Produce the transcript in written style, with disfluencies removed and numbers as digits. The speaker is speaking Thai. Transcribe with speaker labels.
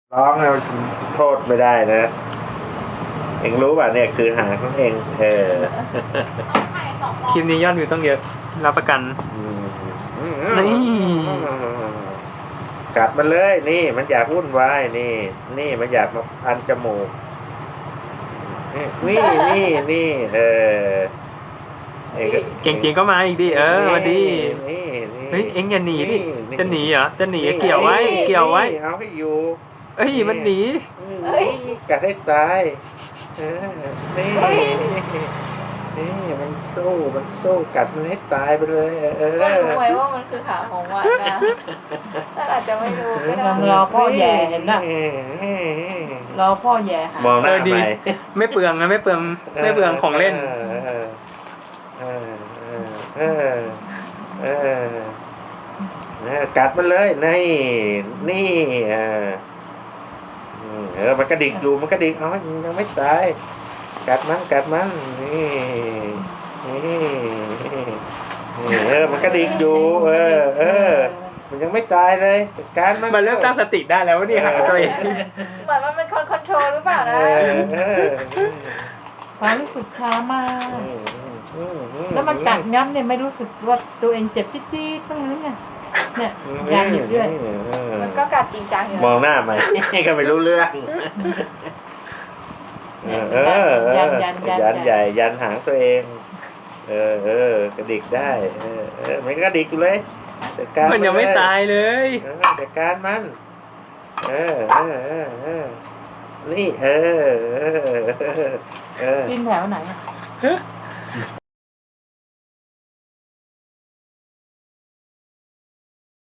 Speaker 1: ร้องแล้วโทษไม่ได้นะเองรู้ป่ะเนี่ยคือหางของเอง
Speaker 2: คลิปนี้ยอดวิวต้องเยอะรับประกันนี่
Speaker 1: กัดมันเลยนี่มันอยากวุ่นวายนี่มันอยากมาพันจมูกนี่
Speaker 2: เก่งจริงก็มาอีกดิมาดิเฮ้ยเอ็งอย่าหนีดิจะหนีเหรอจะหนีเกี่ยวไว้
Speaker 1: เอาให้อยู่
Speaker 2: เอ้ยมันหนี
Speaker 1: กัดให้ตายนี่มันสู้กัดมันให้ตายไปเลย
Speaker 3: ก็รู้ไว้ว่ามันคือขาของมันนะถ้าอาจจะไม่รู้ก็ได้
Speaker 4: รอพ่อแย่เห็นนะรอพ่อแย่ค่ะ
Speaker 1: มองหน้า
Speaker 2: ดี
Speaker 1: ไป
Speaker 2: ไม่เปลืองนะไม่เปลืองของเล่น
Speaker 1: กัดมันเลยนี่มันกระดิกอยู่มันกระดิกเอายังไม่ตายกัดมันนี่มันกระดิกอยู่มันยังไม่ตายเลยการ
Speaker 2: มันเริ่มตั้งสติได้แล้วว่านี่หาตัวเอง
Speaker 3: เหมือนมันเป็นคนคอนโทรลหรือเปล่านะ
Speaker 4: ความรู้สึกช้ามาก แล้วมันกัดย้ำเนี่ยไม่รู้สึกว่าตัวเองเจ็บจี๊ดๆบ้างหรือไงเนี่ยยางหยิบด้วย
Speaker 3: มันก็กัดจริงจังอยู่
Speaker 1: มองหน้าไหมก็ไม่รู้เรื่องยันใหญ่ยันหางตัวเองกระดิกได้มันกระดิกเลย
Speaker 2: มันยังไม่ตายเลย
Speaker 1: แต่การมันนี่
Speaker 4: กินแถวไหน